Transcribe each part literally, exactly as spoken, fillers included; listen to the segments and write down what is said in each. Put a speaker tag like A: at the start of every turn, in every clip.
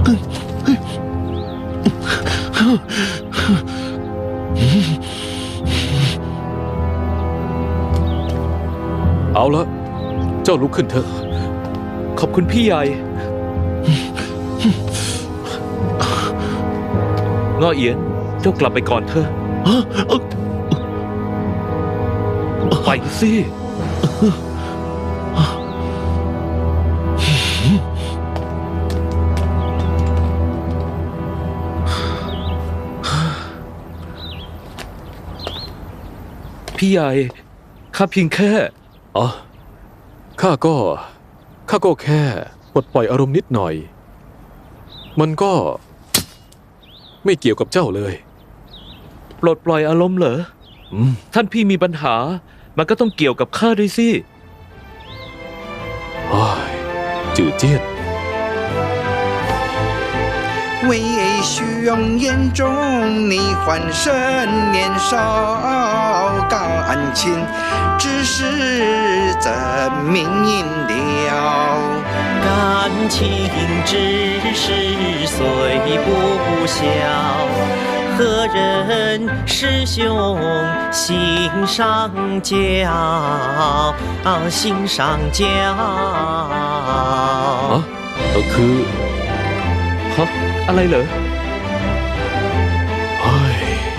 A: เอาละเจ้าลุกขึ้นเถอะ
B: ขอบคุณพี่ใหญ่ง้อเอียนเจ้ากลับไปก่อนเถอะไปสิพี่ใหญ่ข้าเพียงแค่
A: อ๋อข้าก็ข้าก็แค่ปลดปล่อยอารมณ์นิดหน่อยมันก็ไม่เกี่ยวกับเจ้าเลย
B: ปลดปล่อยอารมณ์เหรอท่านพี่มีปัญหามันก็ต้องเกี่ยวกับข้าด้วยสิ
A: โอ้ยจืดเจียด
C: 微醺眼中你欢声年少感情只是怎明隐了
D: 感情只是虽不小何人师兄心上交心上交
A: อ๋อคือ
B: ฮะอะไรเหรอ
A: เฮ้ย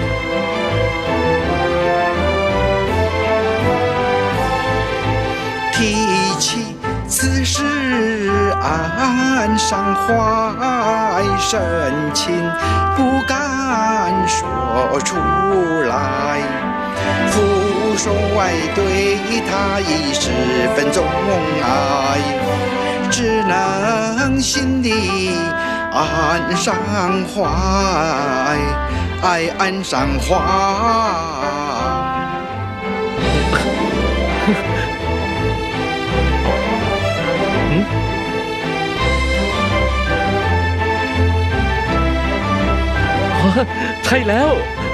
C: 提起此事暗伤怀深情不敢说出来父帅对他已十分钟爱只能心里暗伤怀爱暗伤怀
B: ใช่แล้ว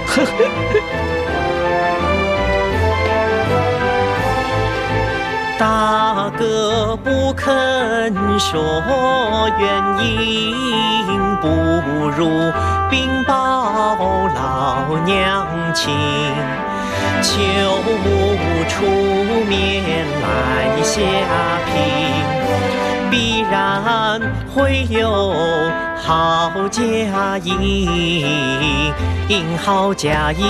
D: 大哥不肯说原因，不如禀报老娘亲，求母出面来下聘，必然会有好佳音，好佳音。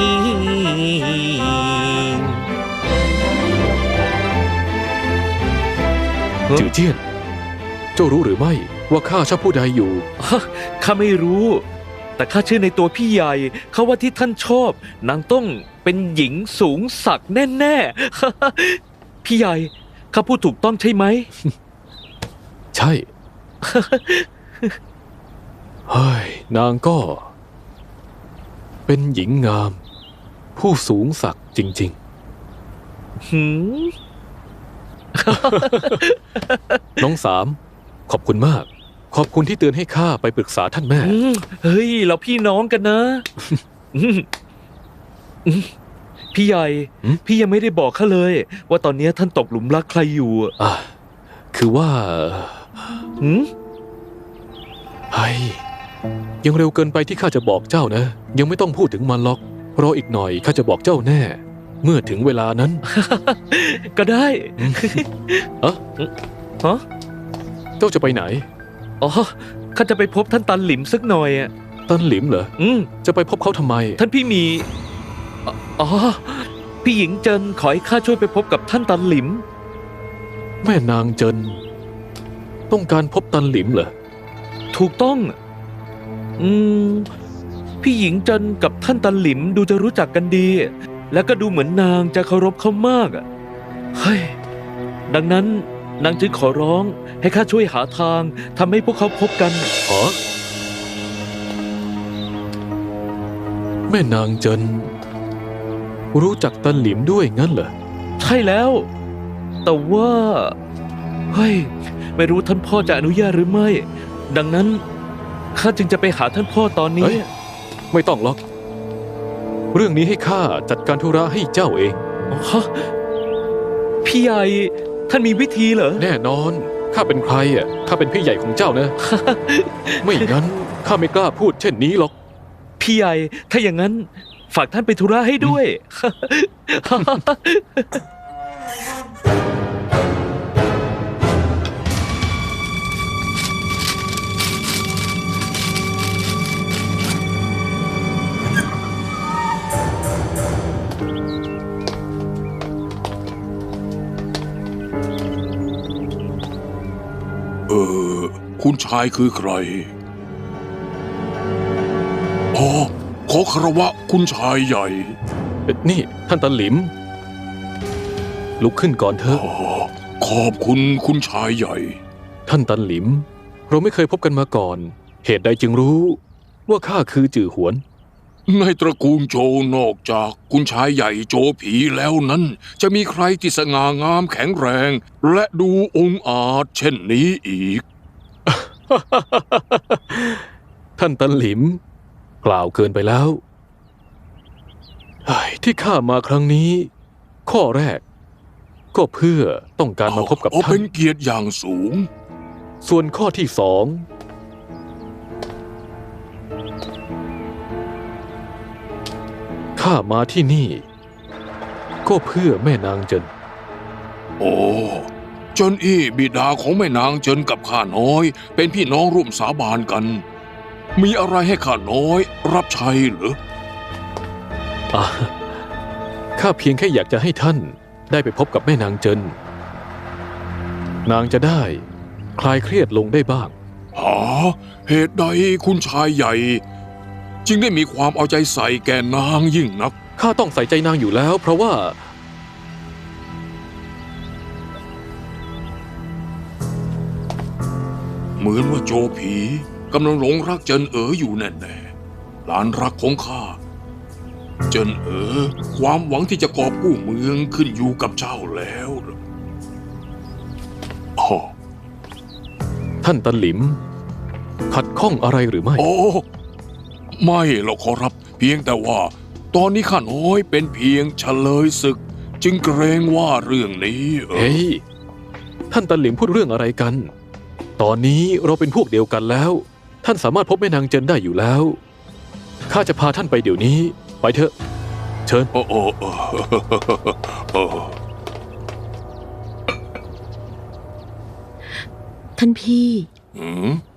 A: จือเจี้ยนเจ้ารู้หรือไม่ว่าข้าชอบผู้ใดอยู่
B: ข้าไม่รู้แต่ข้าเชื่อในตัวพี่ใหญ่เขาว่าที่ท่านชอบนางต้องเป็นหญิงสูงศักดิ์แน่ๆพี่ใหญ่ข้าพูดถูกต้องใช่ไหม
A: ใช่เฮ้ยนางก็เป็นหญิงงามผู้สูงศักดิ์จริงๆหืมน้องสามขอบคุณมากขอบคุณที่เตือนให้ข้าไปปรึกษาท่านแม่
B: เฮ้ยเราพี่น้องกันนะพี่ใหญ่พี่ยังไม่ได้บอกข้าเลยว่าตอนนี้ท่านตกหลุมรักใครอยู่
A: อ่ะคือว่า
B: หืม
A: เฮ้ยยังเร็วเกินไปที่ข้าจะบอกเจ้านะยังไม่ต้องพูดถึงมันหรอกรออีกหน่อยข้าจะบอกเจ้าแน่เมื่อถึงเวลานั้น
B: ก็ได้
A: เอะ
B: ฮะ
A: เจ้าจะไปไหน
B: อ๋อข้าจะไปพบท่านตันหลิมสักหน่อยอ่ะ
A: ตันหลิมเหรอ
B: อืม
A: จะไปพบเขาทำไม
B: ท่านพี่มีอ๋อพี่หญิงเจินขอให้ข้าช่วยไปพบกับท่านตันหลิม
A: แม่นางเจินต้องการพบตันหลิมเหรอ
B: ถูกต้องอืมพี่หญิงเจินกับท่านตันหลิมดูจะรู้จักกันดีแล้วก็ดูเหมือนนางจะเคารพเขามากอ่ะเฮ้ยดังนั้นนางจึงขอร้องให้ข้าช่วยหาทางทำให้พวกเขาพบกัน
A: อ๋อแม่นางเจินรู้จักตันหลิมด้วยงั้นเหรอ
B: ใช่แล้วแต่ว่าเฮ้ยไม่รู้ท่านพ่อจะอนุญาตหรือไม่ดังนั้นข้าจึงจะไปหาท่านพ่อตอนนี้
A: ไม่ต้องหรอกเรื่องนี้ให้ข้าจัดการธุระให้เจ้าเอง
B: ฮะพี่ใหญ่ท่านมีวิธีเหรอ
A: แน่นอนข้าเป็นใครอ่ะ ข้าเป็นพี่ใหญ่ของเจ้านะ ไม่งั้นข้าไม่กล้าพูดเช่นนี้หรอก
B: พี่ใหญ่ ถ้าอย่างนั้น ฝากท่านไปธุระให้ด้วย
E: เออ คุณชายคือใคร อ๋อ ขอคารวะคุณชายใหญ่
A: นี่ท่านตาหลิม ลุกขึ้นก่อนเถอะ
E: อ๋อ ขอบคุณคุณชายใหญ่
A: ท่านตันหลิม เราไม่เคยพบกันมาก่อน เหตุใดจึงรู้ ว่าข้าคือจื่อหวน
E: ในตระกูลโจวนอกจากคุณชายใหญ่โจผีแล้วนั้น จะมีใครที่สง่างามแข็งแรง และดูองอาจเช่นนี้อีก
A: ท่านตันหลิม กล่าวเกินไปแล้วเฮ้ยที่ข้ามาครั้งนี้ ข้อแรก ก็เพื่อต้องการมาพบกับ
E: อ๋อ
A: ท่า
E: เป็น นเกียรติอย่างสูง
A: ส่วนข้อที่สองข้ามาที่นี่ ก็เพื่อแม่นางเจิน
E: โอ้เจินอี้บิดาของแม่นางเจินกับข้าน้อย เป็นพี่น้องร่วมสาบานกัน มีอะไรให้ข้าน้อยรับใช้เหรอ
A: อ่ะข้าเพียงแค่อยากจะให้ท่านได้ไปพบกับแม่นางเจิน นางจะได้คลายเครียดลงได้บ้าง
E: หาเหตุใดคุณชายใหญ่ จึงได้มีความเอาใจใส่แก่นางยิ่งนัก
A: ข้าต้องใส่ใจนางอยู่แล้ว เพราะว่า
E: เหมือนว่าโจผีกำลังหลงรักเจินเอ๋ออยู่แน่ๆหลานรักของข้า เจินเอ๋อความหวังที่จะกอบกู้เมืองขึ้นอยู่กับเจ้าแล้วล่ะอ๋อ
A: ท่านตันหลิม ขัดข้องอะไรหรือไม่
E: โอ้ ไม่หรอกขอรับ เพียงแต่ว่า ตอนนี้ข้าน้อยเป็นเพียงเฉลยศึก จึงเกรงว่าเรื่องนี้เออ
A: เฮ้ย ท่านตันหลิมพูดเรื่องอะไรกัน ตอนนี้เราเป็นพวกเดียวกันแล้ว ท่านสามารถพบแม่นางเจินได้อยู่แล้ว ข้าจะพาท่านไปเดี๋ยวนี้ ไปเถอะ เชิญ
E: โอ้โอ้โอ้โอ้
F: ท่านพี่
E: หืม